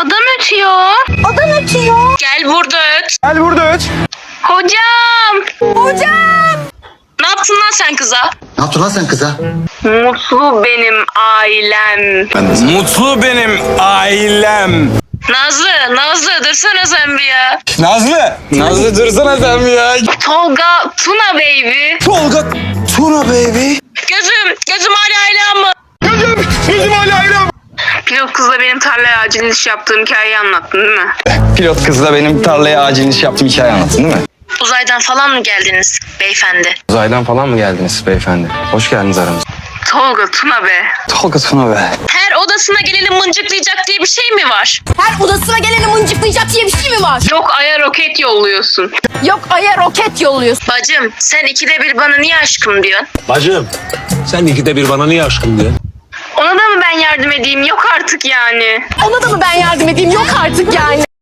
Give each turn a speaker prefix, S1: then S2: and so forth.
S1: Adam ötüyor.
S2: Adam ötüyor.
S1: Gel burada öt.
S3: Gel burada öt.
S1: Hocam.
S2: Hocam.
S1: Ne yaptın lan sen kıza?
S4: Ne yaptın lan sen kıza?
S1: Mutlu benim ailem.
S3: Mutlu benim ailem.
S1: Nazlı dursana sen bir ya.
S3: Nazlı dursana sen bir ya.
S1: Tolga, Tuna baby.
S3: Tolga, Tuna baby.
S1: Gözüm hala ailem mı?
S3: Gözüm hala ailem.
S1: Pilot kızla benim tarlaya acil iş yaptığım hikayeyi anlattın değil mi?
S3: Pilot kızla benim tarlaya acil iş yaptığım hikaye anlattın değil mi?
S1: Uzaydan falan mı geldiniz beyefendi?
S3: Uzaydan falan mı geldiniz beyefendi? Hoş geldiniz aramıza.
S1: Tolga, Tuna be.
S3: Tolga, Tuna be.
S1: Her odasına geleni mıncıklayacak diye bir şey mi var?
S2: Her odasına geleni mıncıklayacak diye bir şey mi var?
S1: Yok aya roket yolluyorsun.
S2: Yok aya roket yolluyorsun.
S1: Bacım sen ikide bir bana niye aşkım diyorsun?
S5: Bacım, sen ikide bir bana niye aşkım diyorsun?
S1: Ona da mı ben yardım edeyim? Yok artık yani.
S2: Ona da mı ben yardım edeyim? Yok artık yani.